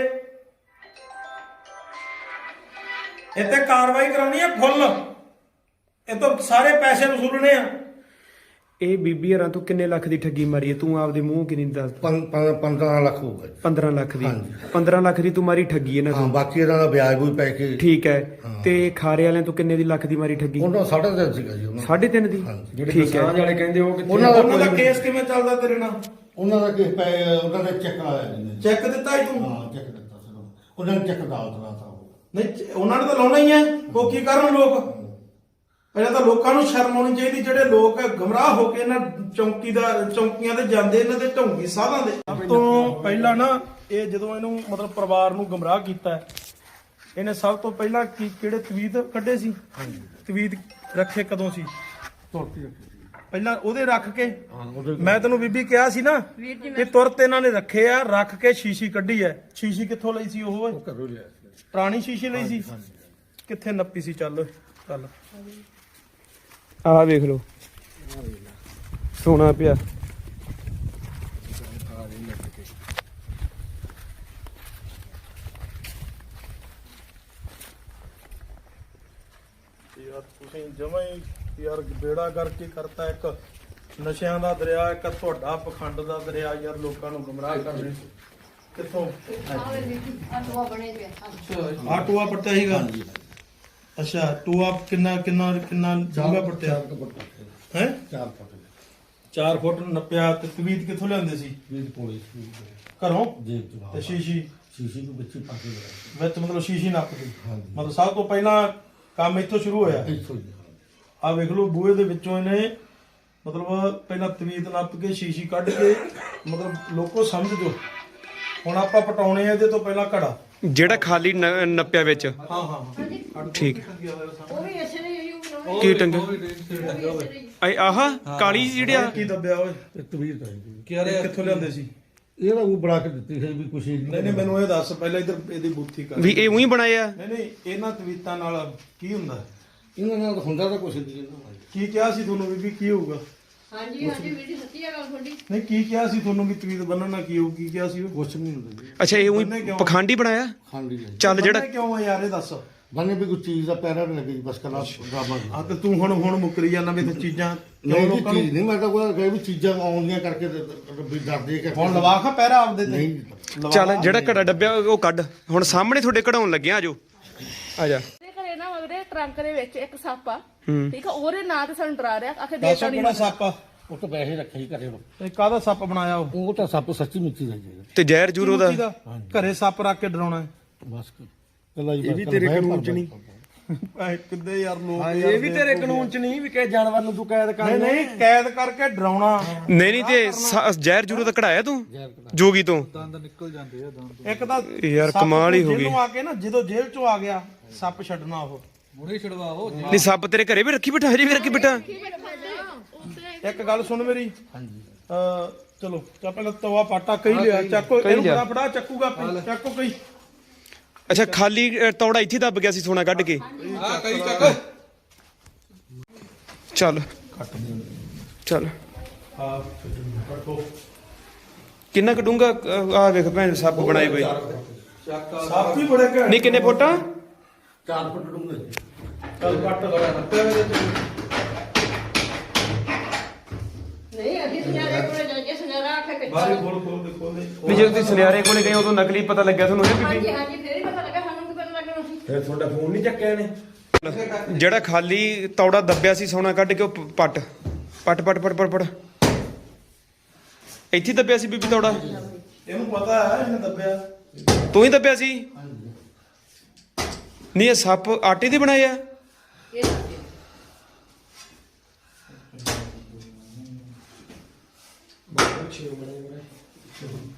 Speaker 1: ਇੱਥੇ ਕਾਰਵਾਈ ਕਰਾਉਣੀ ਹੈ ਫੁੱਲ, ਇਹ ਤੋਂ ਸਾਰੇ ਪੈਸੇ ਵਸੂਲਣੇ ਆ।
Speaker 2: ਇਹ ਬੀਬੀ ਹਰਾਂ ਤੂੰ ਕਿੰਨੇ ਲੱਖ ਦੀ ਠੱਗੀ ਮਾਰੀ ਹੈ? ਤੂੰ ਆਪਦੇ ਮੂੰਹ ਕਿੰਨੀ ਦੱਸ।
Speaker 3: 15 ਲੱਖ ਹੋਊਗਾ ਜੀ।
Speaker 2: 15 ਲੱਖ ਦੀ।
Speaker 3: ਹਾਂਜੀ।
Speaker 2: 15 ਲੱਖ ਦੀ ਤੂੰ ਮਾਰੀ ਠੱਗੀ ਇਹਨਾਂ
Speaker 3: ਹਾਂ
Speaker 2: ਤੋਂ।
Speaker 3: ਬਾਕੀ ਇਹਨਾਂ ਦਾ ਵਿਆਜ ਵੀ ਪੈ ਕੇ।
Speaker 2: ਠੀਕ ਹੈ। ਤੇ ਖਾਰੇ ਵਾਲਿਆਂ ਤੋਂ ਕਿੰਨੇ ਦੀ ਲੱਖ ਦੀ ਮਾਰੀ ਠੱਗੀ?
Speaker 3: ਉਹਨਾਂ 3.5 ਸੀਗਾ ਜੀ ਉਹਨਾਂ
Speaker 2: 3.5 ਦੀ।
Speaker 4: ਜਿਹੜੇ
Speaker 2: ਠੀਕ ਹੈ।
Speaker 4: ਕਿਸਾਨ ਵਾਲੇ ਕਹਿੰਦੇ ਉਹ ਕਿੱਥੇ?
Speaker 1: ਉਹਨਾਂ ਦਾ ਕੇਸ ਕਿਵੇਂ ਚੱਲਦਾ ਤੇਰੇ ਨਾਲ?
Speaker 3: ਉਹਨਾਂ ਦਾ ਕਿਸ ਪੈ ਉਹਨਾਂ ਦਾ ਚੈੱਕ ਆਇਆ ਜੀ।
Speaker 1: ਚੈੱਕ ਦਿੱਤਾ ਹੀ ਤੂੰ?
Speaker 3: ਹਾਂ ਚੈੱਕ ਦਿੱਤਾ ਸੀ ਉਹਨਾਂ ਨੇ। ਚੈੱਕ ਅਦਾਲਤ ਦਾ ਤਾਂ
Speaker 1: ਨਹੀਂ ਉਹਨਾਂ ਨੇ ਤਾਂ ਲਾਉਣਾ ਹੀ ਹੈ। ਉਹ ਕੀ ਕਰਨ ਲੋਕ? ਪਹਿਲਾਂ ਤਾਂ ਲੋਕਾਂ ਨੂੰ ਸ਼ਰਮ ਆਉਣੀ ਚਾਹੀਦੀ, ਜਿਹੜੇ ਲੋਕ ਗਮਰਾਹ ਹੋ ਕੇ ਇਹਨਾਂ ਚੌਂਕੀਆਂ ਤੇ ਜਾਂਦੇ, ਇਹਨਾਂ ਦੇ ਢੌਂਗੀ ਸਾਧਾਂ ਦੇ। ਸਭ ਤੋਂ ਪਹਿਲਾਂ ਨਾ ਇਹ ਜਦੋਂ ਇਹਨੂੰ ਮਤਲਬ ਪਰਿਵਾਰ ਨੂੰ ਗਮਰਾਹ ਕੀਤਾ, ਇਹਨੇ ਸਭ ਤੋਂ ਪਹਿਲਾਂ ਕਿਹੜੇ ਤਵੀਤ ਕੱਢੇ ਸੀ? ਤਵੀਤ ਰੱਖੇ ਕਦੋਂ ਸੀ? ਪਹਿਲਾਂ ਉਹਦੇ ਰੱਖ ਕੇ ਮੈਂ ਤੈਨੂੰ ਬੀਬੀ ਕਿਹਾ ਸੀ ਨਾ ਇਹ ਤੁਰਤ ਇਹਨਾਂ ਨੇ ਰੱਖੇ ਆ, ਰੱਖ ਕੇ ਸ਼ੀਸ਼ੀ ਕੱਢੀ ਐ। ਸ਼ੀਸ਼ੀ ਕਿੱਥੋਂ ਲਈ ਸੀ? ਉਹ
Speaker 3: ਘਰੋਂ ਲਿਆ
Speaker 1: ਪੁਰਾਣੀ ਸ਼ੀਸ਼ੀ ਲਈ ਸੀ। ਕਿੱਥੇ ਨੱਪੀ ਸੀ? ਚੱਲ
Speaker 2: ਆਹ ਵੇਖ ਲਓ, ਸੋਨਾ ਪਿਆ।
Speaker 1: ਯਾਰ ਤੁਸੀਂ ਜਮਾਂ ਹੀ ਯਾਰ ਬੇੜਾ ਕਰਕੇ ਕਰਤਾ। ਇੱਕ ਨਸ਼ਿਆਂ ਦਾ ਦਰਿਆ, ਇੱਕ ਤੁਹਾਡਾ ਪਖੰਡ ਦਾ ਦਰਿਆ। ਯਾਰ ਲੋਕਾਂ ਨੂੰ ਗੁੰਮਰਾਹ ਕਰਦੇ ਕਿੱਥੋਂ? ਆ ਟੂਆ ਪੜਤਾ ਸੀਗਾ। ਅੱਛਾ ਟੂਆ ਕਿੰਨਾ ਡੂੰਘਾ ਪੜਤਿਆ ਹੈ?
Speaker 3: 4 ਫੁੱਟ
Speaker 1: 4 ਫੁੱਟ ਨੱਪਿਆ। ਤੇ ਤਵੀਤ ਕਿੱਥੋਂ ਲਿਆਂਦੇ ਸੀ?
Speaker 3: ਵੀਰ ਕੋਲੇ
Speaker 1: ਘਰੋਂ?
Speaker 3: ਜੇਬ ਤੋਂ।
Speaker 1: ਤੇ ਸ਼ੀਸ਼ੀ
Speaker 3: ਸ਼ੀਸ਼ੀ ਨੂੰ ਵਿੱਚ ਪਾ ਕੇ ਲਿਆ
Speaker 1: ਵਿੱਚ ਮਤਲਬ ਸ਼ੀਸ਼ੀ ਨੱਪਦੀ।
Speaker 3: ਹਾਂਜੀ।
Speaker 1: ਮਤਲਬ ਸਭ ਤੋਂ ਪਹਿਲਾਂ ਕੰਮ ਇੱਥੋਂ ਸ਼ੁਰੂ ਹੋਇਆ।
Speaker 3: ਇੱਥੋਂ ਹੀ
Speaker 1: ਆ ਵੇਖ ਲਓ, ਬੂਹੇ ਦੇ ਵਿੱਚੋਂ ਇਹਨੇ ਮਤਲਬ ਪਹਿਲਾਂ ਤਵੀਤ ਨੱਪ ਕੇ ਸ਼ੀਸ਼ੀ ਕੱਢ ਕੇ, ਮਤਲਬ ਲੋਕੋ ਸਮਝ ਜੋ। ਹੁਣ ਆਪਾਂ ਪਟਾਉਣੇ ਆ ਇਹਦੇ ਤੋਂ ਪਹਿਲਾਂ ਘੜਾ,
Speaker 2: ਜਿਹੜਾ ਖਾਲੀ ਨੱਪਿਆ ਵਿੱਚ।
Speaker 1: ਹਾਂ
Speaker 2: ਠੀਕ।
Speaker 5: ਉਹ ਵੀ ਇਸੇ ਨੇ ਹੀ ਬਣਾਉਣੇ।
Speaker 2: ਕੀ ਟੰਗੇ? ਆਹ ਕਾਲੀ ਜਿਹੜੀ ਆ
Speaker 1: ਕੀ ਦੱਬਿਆ ਓਏ?
Speaker 3: ਤਵੀਰ ਚਾਹੀਦੀ।
Speaker 1: ਕਿੱਥੋਂ ਲਿਆਂਦੇ ਸੀ?
Speaker 3: ਇਹਦਾ ਉਹ ਬਣਾ ਕੇ ਦਿੱਤੀ ਹੈ ਵੀ ਕੁਛ
Speaker 1: ਨਹੀਂ ਮੈਨੂੰ ਇਹ ਦੱਸ ਪਹਿਲਾਂ ਇੱਧਰ ਇਹਦੀ ਬੂਥੀ ਕਰ।
Speaker 2: ਵੀ ਇਹ ਉਹੀ ਬਣਾਏ ਆ?
Speaker 1: ਨਹੀਂ ਇਹਨਾਂ ਤਵੀਤਾਂ ਨਾਲ ਕੀ ਹੁੰਦਾ?
Speaker 3: ਇਹਨਾਂ ਨਾਲ ਹੁੰਦਾ ਤਾਂ ਕੁਛ ਨਹੀਂ ਇਹਨਾਂ
Speaker 1: ਕੀ ਕਿਹਾ ਸੀ ਤੁਹਾਨੂੰ ਬੀਬੀ ਕੀ ਹੋਊਗਾ?
Speaker 5: ਹਾਂਜੀ ਵੀਰ ਜੀ ਸੱਚੀ ਆ ਗੱਲ ਤੁਹਾਡੀ।
Speaker 1: ਨਹੀਂ ਕੀ ਕਿਹਾ ਸੀ ਤੁਹਾਨੂੰ ਵੀ ਤਵੀਤ ਬੰਨਣ ਨਾਲ ਕੀ ਹੋਊ? ਕੀ ਕਿਹਾ ਸੀ ਉਹ?
Speaker 3: ਕੁਛ ਨਹੀਂ ਹੁੰਦਾ ਜੀ।
Speaker 2: ਅੱਛਾ ਇਹ ਉਹੀ ਪਖੰਡੀ ਬਣਾਇਆ?
Speaker 3: ਖਾਂਡੀ ਹੈ
Speaker 2: ਚੱਲ ਜਿਹੜਾ
Speaker 1: ਬੰਨ੍ਹਣੇ ਕਿਉਂ ਆ ਯਾਰ ਇਹ ਦੱਸ?
Speaker 3: ਬੰਨੇ ਵੀ ਕੋਈ ਚੀਜ਼ ਦਾ ਪੈਰਾ ਨਹੀਂ ਲੱਗੀ ਬਸ ਕਲਾ ਡਰਾਮਾ
Speaker 1: ਆ ਤੇ ਤੂੰ ਹੁਣ ਮੁੱਕਰੀ ਜਾਂਦਾ ਵੀ ਤੇ ਚੀਜ਼ਾਂ ਕਿਉਂ
Speaker 3: ਨਹੀਂ
Speaker 1: ਲੋਕਾਂ ਨੂੰ
Speaker 3: ਚੀਜ਼ ਨਹੀਂ ਮੈਂ ਤਾਂ ਕੋਈ ਕਹੇ ਵੀ ਚੀਜ਼ਾਂ ਆਉਂਦੀਆਂ ਕਰਕੇ ਵੀ ਡਰਦੇ ਕਰਕੇ
Speaker 1: ਹੁਣ ਲਵਾ ਖਾ ਪਹਿਰਾ ਆਪਦੇ ਤੇ
Speaker 3: ਨਹੀਂ
Speaker 1: ਲਵਾ
Speaker 2: ਚੱਲ
Speaker 1: ਲਾ।
Speaker 2: ਜਿਹੜਾ ਘੜਾ ਡੱਬਿਆ ਉਹ ਕੱਢ ਹੁਣ ਸਾਹਮਣੇ ਤੁਹਾਡੇ ਕਢਾਉਣ ਲੱਗਿਆ ਆਜੋ ਆ ਜਾ
Speaker 6: ਤੇ ਘਰੇ ਨਾ ਉਹਦੇ ਟਰੰਕ ਦੇ ਵਿੱਚ ਇੱਕ ਸੱਪ ਆ ਠੀਕ ਆ ਉਹਦੇ ਨਾਂ ਤੇ ਸਾਨੂੰ ਡਰਾ ਰਿਹਾ ਆਖੇ ਦੇ
Speaker 1: ਦੱਸ ਕਿਹੜਾ ਸੱਪ ਆ
Speaker 3: ਉਹ ਤਾਂ ਪੈਸੇ ਰੱਖੇ ਹੀ ਘਰੇ
Speaker 1: ਇਹ ਕਾਹਦਾ ਸੱਪ ਬਣਾਇਆ ਉਹ
Speaker 3: ਉਹ ਤਾਂ ਸੱਪ ਸੱਚੀ ਮਿੱਚੀ ਦਾ ਜੀ
Speaker 2: ਤੇ ਜ਼ਹਿਰ ਜੂਰ ਉਹਦਾ
Speaker 1: ਕਿਹਦਾ? ਘਰੇ ਸੱਪ ਰੱਖ ਕੇ ਡਰਾਉਣਾ ਹੈ।
Speaker 3: ਬਸ ਕੱਲਾ ਜੀ
Speaker 4: ਇਹ ਵੀ ਤੇਰੇ ਕਾਨੂੰਨ ਚ ਨਹੀਂ
Speaker 1: ਐ ਕਿੱਦੇ ਯਾਰ ਲੋਕ
Speaker 4: ਇਹ ਵੀ ਤੇਰੇ ਕਾਨੂੰਨ ਚ ਨਹੀਂ ਵੀ ਕਿਸੇ ਜਾਨਵਰ ਨੂੰ ਤੂੰ ਕੈਦ ਕਰ
Speaker 1: ਨਹੀਂ ਨਹੀਂ ਕੈਦ ਕਰਕੇ ਡਰਾਉਣਾ
Speaker 2: ਨਹੀਂ ਨਹੀਂ ਤੇ ਜ਼ਹਿਰ ਜੂਰ ਉਹਦਾ ਕਢਾਇਆ ਤੂੰ ਜੋਗੀ ਤੋਂ
Speaker 1: ਇੱਕ ਤਾਂ
Speaker 2: ਯਾਰ
Speaker 1: ਸੱਪ
Speaker 2: ਕਮਾਲ ਹੀ ਹੋ ਗਈ।
Speaker 1: ਜੇਲ੍ਹੋਂ ਆ ਕੇ ਨਾ ਜਦੋਂ ਜੇਲ੍ਹ ਚੋਂ ਆ ਗਿਆ ਸੱਪ ਛੱਡਣਾ ਉਹ
Speaker 2: ਨਹੀਂ ਸੱਪ ਤੇਰੇ ਘਰੇ ਵੀ ਰੱਖੀ ਬਿਠਾ ਹਜੇ ਵੀ ਰੱਖੀ ਬਿਠਾ
Speaker 1: ਇੱਕ ਗੱਲ ਸੁਣ ਮੇਰੀ ਹਾਂਜੀ ਚਲੋ ਚਾ ਪਹਿਲਾਂ ਤਵਾ ਪਾਟਾ ਕਹੀ ਲਿਆ ਚੱਕੋ ਇਹਨੂੰ
Speaker 2: ਲਿਆ।
Speaker 1: ਬੜਾ ਫੜਾ ਚੱਕੂਗਾ ਆਪੇ, ਚੱਕੋ ਕਈ
Speaker 2: ਅੱਛਾ ਖਾਲੀ ਤੌੜਾ ਇੱਥੇ ਦੱਬ ਗਿਆ ਸੀ ਸੋਨਾ ਕੱਢ ਕੇ ਚੱਲ ਚੱਲ
Speaker 1: ਹਾਂ ਰੱਖੋ
Speaker 2: ਕਿੰਨਾ ਕਟੂੰਗਾ ਆ ਵੇਖ ਭੈਣ ਸੱਪ ਬਣਾਏ ਬਈ
Speaker 1: ਸੱਪ ਹੀ ਬੜੇ ਘੈਂਟ
Speaker 2: ਨਹੀਂ ਕਿੰਨੇ ਫੁੱਟ
Speaker 3: 4 ਫੁੱਟ ਡੂੰਘੇ ਜੀ
Speaker 1: ਚੱਲ ਕੱਟ ਲਗਾ ਰੱਖਿਆ ਇਹਦੇ ਚ
Speaker 5: ਨਹੀਂ ਅਸੀਂ ਸੁਨਿਆਰੇ ਕੋਲੇ ਜਾ ਕੇ ਸੁਨਿਆਰਾ ਆਖੇ ਕਿ
Speaker 1: ਬਾਹਰ ਖੋਲ ਦੇ
Speaker 2: ਨਹੀਂ ਜਦੋਂ ਤੁਸੀਂ ਸੁਨਿਆਰੇ ਕੋਲੇ ਗਏ ਉਦੋਂ ਨਕਲੀ ਪਤਾ ਲੱਗਿਆ ਤੁਹਾਨੂੰ ਇਹ
Speaker 5: ਹਾਂਜੀ
Speaker 2: ਬੀਬੀ
Speaker 5: ਹਾਂਜੀ ਫੇਰ ਹੀ ਪਤਾ ਲੱਗਾ ਸਾਨੂੰ ਕੀ ਪਤਾ ਲੱਗਣਾ ਸੀ
Speaker 4: ਫਿਰ ਤੁਹਾਡਾ ਫੋਨ ਨਹੀਂ ਚੱਕਿਆ ਇਹਨੇ
Speaker 2: ਜਿਹੜਾ ਖਾਲੀ ਤੌੜਾ ਦੱਬਿਆ ਸੀ ਸੋਨਾ ਕੱਢ ਕੇ ਉਹ ਪੱਟ ਪੱਟ ਪੱਟ ਪੱਟ ਪੱਟ ਪੱਟ ਇੱਥੇ ਹੀ ਦੱਬਿਆ ਸੀ ਬੀਬੀ ਤੌੜਾ
Speaker 1: ਇਹਨੂੰ ਪਤਾ ਹੈ ਇਹਨੇ ਦੱਬਿਆ
Speaker 2: ਤੂੰ ਹੀ ਦੱਬਿਆ ਸੀ ਨਹੀਂ ਇਹ ਸੱਪ ਆਟੇ ਦੇ ਬਣਾਏ ਆ
Speaker 5: ਇਹ ਦੱਸਦੇ
Speaker 4: ਬਹੁਤ ਅੱਛੇ ਬਣੇ